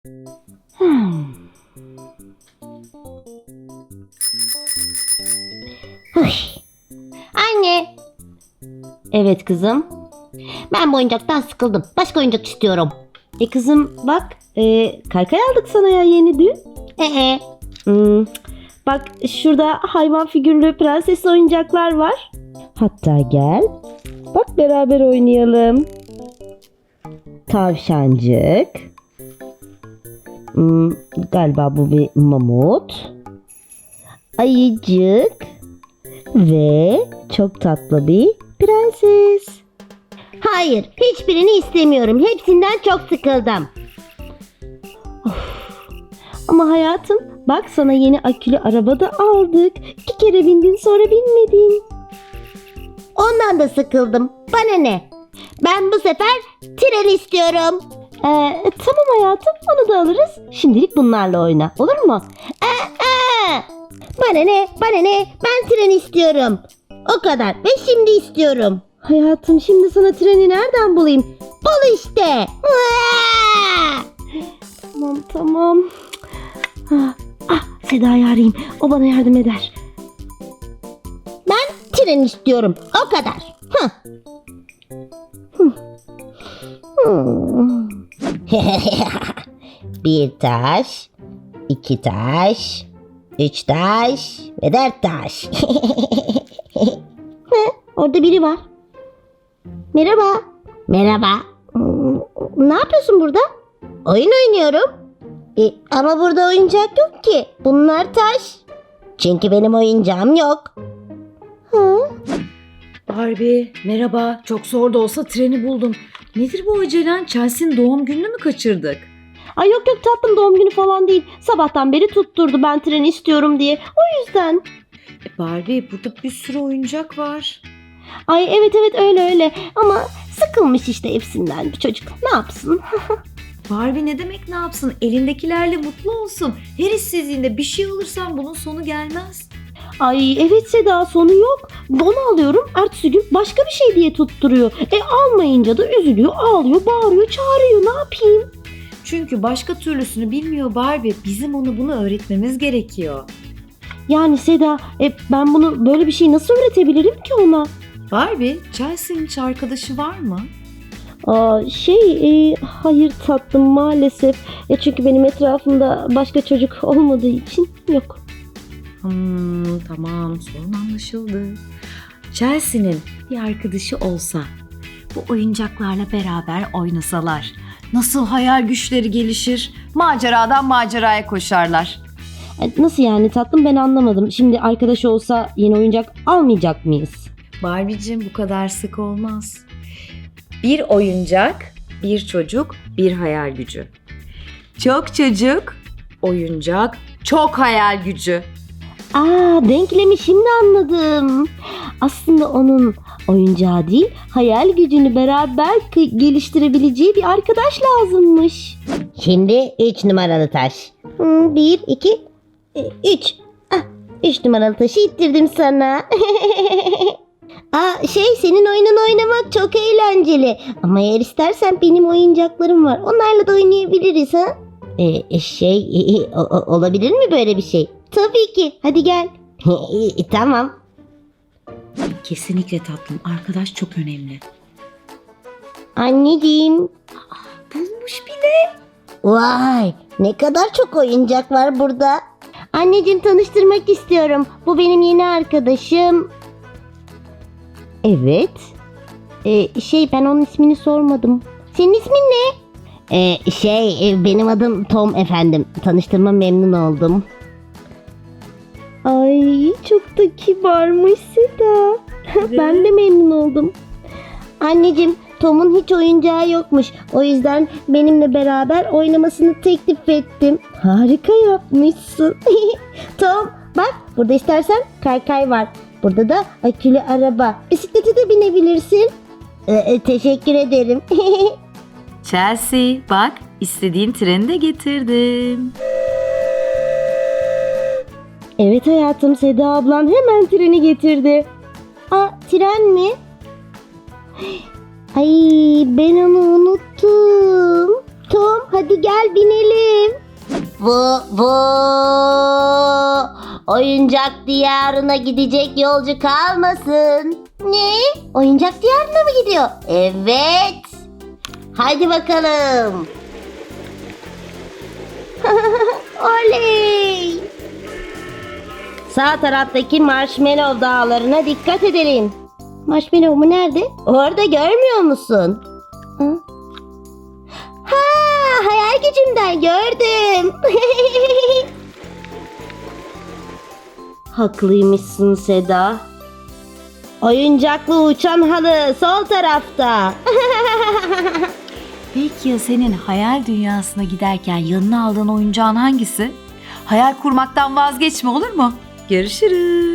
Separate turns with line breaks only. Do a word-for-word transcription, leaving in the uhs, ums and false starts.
Hmm. Hıh. Anne. Evet kızım. Ben bu oyuncaktan sıkıldım. Başka oyuncak istiyorum. E kızım bak, e, kaykay aldık sana ya yeni dün. Ee. Hmm. Bak şurada hayvan figürlü prenses oyuncaklar var. Hatta gel. Bak beraber oynayalım. Tavşancık. Hmm, galiba bu bir mamut. Ayıcık. Ve çok tatlı bir prenses. Hayır, hiçbirini istemiyorum. Hepsinden çok sıkıldım. Of. Ama hayatım, bak sana yeni akülü araba da aldık. İki kere bindin sonra binmedin. Ondan da sıkıldım. Bana ne? Ben bu sefer tren istiyorum. Ee, tamam hayatım, onu da alırız. Şimdilik bunlarla oyna, olur mu? Ee, ee. Bana ne? Bana ne? Ben tren istiyorum. O kadar ve şimdi istiyorum. Hayatım, şimdi sana treni nereden bulayım? Bul işte. Tamam tamam. Ah, ah, Seda'yı arayayım. O bana yardım eder. Ben tren istiyorum. O kadar. Hıh. Hmm. Bir taş, iki taş, üç taş ve dört taş. Orada biri var. Merhaba. Merhaba. Ne yapıyorsun burada? Oyun oynuyorum. E, ama burada oyuncak yok ki. Bunlar taş. Çünkü benim oyuncağım yok. Hı?
Barbie, merhaba. Çok zor da olsa treni buldum. Nedir bu acelen? Chelsea'nin doğum gününü mü kaçırdık?
Ay yok yok tatlım, doğum günü falan değil. Sabahtan beri tutturdu ben treni istiyorum diye. O yüzden.
E Barbie, burada bir sürü oyuncak var.
Ay evet evet öyle öyle. Ama sıkılmış işte hepsinden bir çocuk. Ne yapsın?
Barbie ne demek ne yapsın? Elindekilerle mutlu olsun. Her işsizliğinde bir şey alırsan bunun sonu gelmez.
Ay evet Seda, sonu yok. Onu alıyorum, ertesi gün başka bir şey diye tutturuyor. E almayınca da üzülüyor, ağlıyor, bağırıyor, çağırıyor. Ne yapayım?
Çünkü başka türlüsünü bilmiyor Barbie. Bizim ona bunu öğretmemiz gerekiyor.
Yani Seda, e, ben bunu böyle bir şey nasıl öğretebilirim ki ona?
Barbie, Chelsea'nin hiç arkadaşı var mı?
Aa, şey e, hayır tatlım, maalesef. E, çünkü benim etrafımda başka çocuk olmadığı için yok.
Hmm, tamam, sorun anlaşıldı. Chelsea'nin bir arkadaşı olsa, bu oyuncaklarla beraber oynasalar, nasıl hayal güçleri gelişir, maceradan maceraya koşarlar.
E, nasıl yani tatlım, ben anlamadım. Şimdi arkadaş olsa yeni oyuncak almayacak mıyız?
Barbie'cim, bu kadar sık olmaz. Bir oyuncak, bir çocuk, bir hayal gücü. Çok çocuk, oyuncak, çok hayal gücü.
Aa, denklemi şimdi anladım. Aslında onun oyuncağı değil, hayal gücünü beraber k- geliştirebileceği bir arkadaş lazımmış. Şimdi üç numaralı taş. Hmm, bir, iki, üç. Ah, üç numaralı taşı ittirdim sana. Aa, şey, senin oyunun oynamak çok eğlenceli. Ama eğer istersen benim oyuncaklarım var. Onlarla da oynayabiliriz ha? Ee, şey, e, e, o- olabilir mi böyle bir şey? Tabii ki. Hadi gel. Tamam.
Kesinlikle tatlım, arkadaş çok önemli.
Anneciğim.
Bulmuş bile.
Vay, ne kadar çok oyuncak var burada. Anneciğim, tanıştırmak istiyorum. Bu benim yeni arkadaşım. Evet. Ee, şey, ben onun ismini sormadım. Senin ismin ne? Ee, şey, e, benim adım Tom efendim. Tanıştırma memnun oldum. Ay, çok da kibarmış Seda. Ben de memnun oldum. Anneciğim, Tom'un hiç oyuncağı yokmuş. O yüzden benimle beraber oynamasını teklif ettim. Harika yapmışsın. Tom, bak burada istersen kaykay var. Burada da akülü araba. Bisiklete de binebilirsin. Ee, teşekkür ederim.
Chelsea, bak istediğin treni de getirdim.
Evet hayatım, Seda ablan hemen treni getirdi. Aa, tren mi? Ay, ben onu unuttum. Tom hadi gel binelim. Bu bu oyuncak diyarına gidecek yolcu kalmasın. Ne? Oyuncak diyarına mı gidiyor? Evet. Hadi bakalım. Oley! Sağ taraftaki Marshmallow dağlarına dikkat edelim. Marshmallow mu nerede? Orada görmüyor musun? Hı? Ha, hayal gücümden gördüm. Haklıymışsın Seda. Oyuncaklı uçan halı sol tarafta.
Peki ya senin hayal dünyasına giderken yanına aldığın oyuncağın hangisi? Hayal kurmaktan vazgeçme, olur mu? Görüşürüz.